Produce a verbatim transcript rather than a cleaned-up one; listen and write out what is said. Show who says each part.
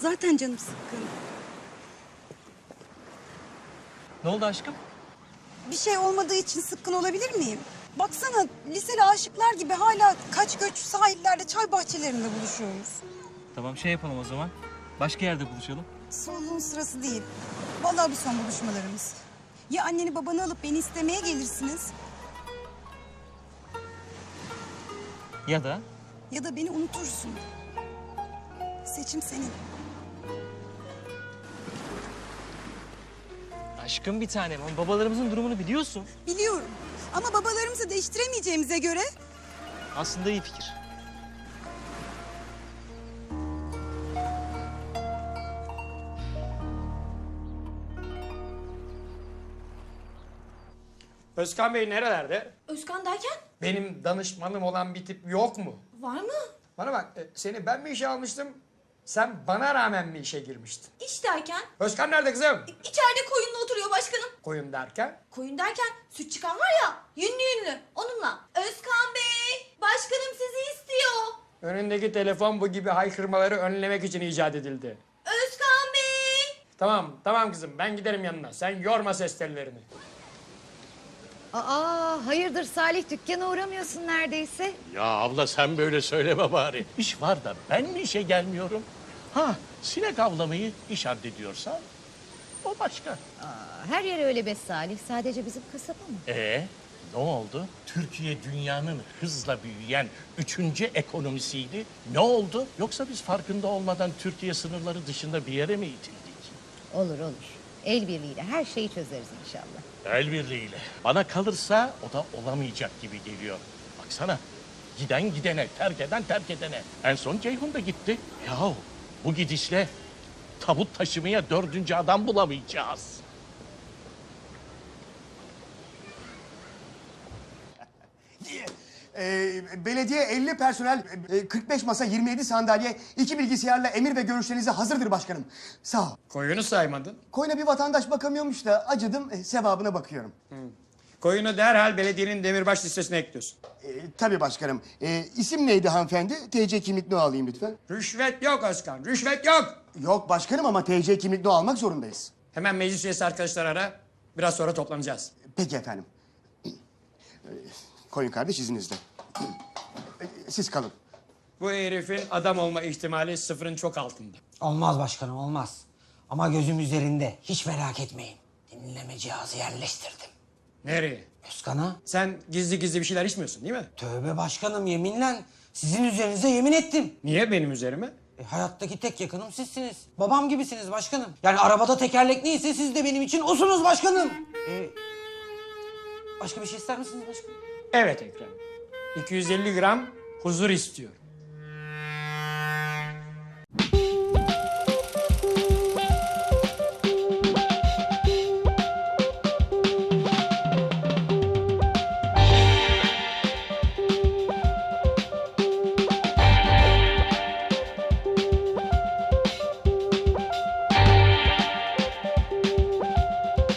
Speaker 1: Zaten canım sıkkın.
Speaker 2: Ne oldu aşkım?
Speaker 1: Bir şey olmadığı için sıkkın olabilir miyim? Baksana liseli aşıklar gibi hala kaç göç sahillerde, çay bahçelerinde buluşuyoruz.
Speaker 2: Tamam şey yapalım o zaman. Başka yerde buluşalım.
Speaker 1: Soluğun sırası değil. Vallahi bu son buluşmalarımız. Ya anneni babanı alıp beni istemeye gelirsiniz
Speaker 2: Ya da
Speaker 1: ya da beni unutursun. Seçim senin.
Speaker 2: aşkım bir tanem. Ama babalarımızın durumunu biliyorsun.
Speaker 1: Biliyorum ama babalarımızı değiştiremeyeceğimize göre...
Speaker 2: Aslında iyi fikir.
Speaker 3: Özkan Bey nerelerde?
Speaker 4: Özkan derken?
Speaker 3: Benim danışmanım olan bir tip yok mu?
Speaker 4: Var mı?
Speaker 3: Bana bak, e, seni ben mi işe almıştım? Sen bana rağmen mi işe girmiştin?
Speaker 4: İş derken?
Speaker 3: Özkan nerede kızım?
Speaker 4: İçeride koyunla oturuyor başkanım.
Speaker 3: Koyun derken?
Speaker 4: Koyun derken süt çıkan var ya, yünlü yünlü, onunla. Özkan Bey, başkanım sizi istiyor.
Speaker 3: Önündeki telefon bu gibi haykırmaları önlemek için icat edildi.
Speaker 4: Özkan Bey.
Speaker 3: Tamam, tamam kızım, ben giderim yanına. Sen yorma ses tellerini.
Speaker 5: Aa, hayırdır Salih, dükkana uğramıyorsun neredeyse.
Speaker 6: Ya abla sen böyle söyleme bari. İş var da ben mi işe gelmiyorum? Ha, sinek avlamayı iş addediyorsa o başka.
Speaker 5: Aa, her yer öyle be Salih, sadece bizim kasaba mı?
Speaker 6: Ee, ne oldu? Türkiye dünyanın hızla büyüyen üçüncü ekonomisiydi. Ne oldu? Yoksa biz farkında olmadan Türkiye sınırları dışında bir yere mi itildik?
Speaker 5: Olur olur, el birliğiyle her şeyi çözeriz inşallah.
Speaker 6: El birliğiyle. Bana kalırsa o da olamayacak gibi geliyor. Baksana, giden gidene, terk eden terk edene. En son Ceyhun da gitti. Yahu bu gidişle tabut taşımaya dördüncü adam bulamayacağız.
Speaker 7: Ee, belediye elli personel, e, kırk beş masa, yirmi yedi sandalye, iki bilgisayarla emir ve görüşlerinize hazırdır başkanım. Sağ ol.
Speaker 3: Koyunu saymadın.
Speaker 7: Koyuna bir vatandaş bakamıyormuş da acıdım, e, sevabına bakıyorum.
Speaker 3: Koyunu derhal belediyenin demirbaş listesine ekliyorsun.
Speaker 7: E, tabii başkanım. E, isim neydi hanımefendi? T C kimlik no alayım lütfen.
Speaker 3: Rüşvet yok Özkan, rüşvet yok.
Speaker 7: Yok başkanım ama T C kimlik no almak zorundayız.
Speaker 3: Hemen meclis üyesi arkadaşlar ara. Biraz sonra toplanacağız.
Speaker 7: Peki efendim. E, Koyun kardeş izninizle. E, siz kalın.
Speaker 3: Bu herifin adam olma ihtimali sıfırın çok altında.
Speaker 8: Olmaz başkanım olmaz. Ama gözüm üzerinde. Hiç merak etmeyin. Dinleme cihazı yerleştirdim.
Speaker 3: Nereye?
Speaker 8: Özkan'a.
Speaker 3: Sen gizli gizli bir şeyler içmiyorsun değil mi?
Speaker 8: Tövbe başkanım yeminle sizin üzerinize yemin ettim.
Speaker 3: Niye benim üzerime?
Speaker 8: E, hayattaki tek yakınım sizsiniz. Babam gibisiniz başkanım. Yani arabada tekerlek neyse siz de benim için osunuz başkanım. E, başka bir şey ister misiniz başkanım?
Speaker 3: Evet Ekrem. iki yüz elli gram huzur istiyorum.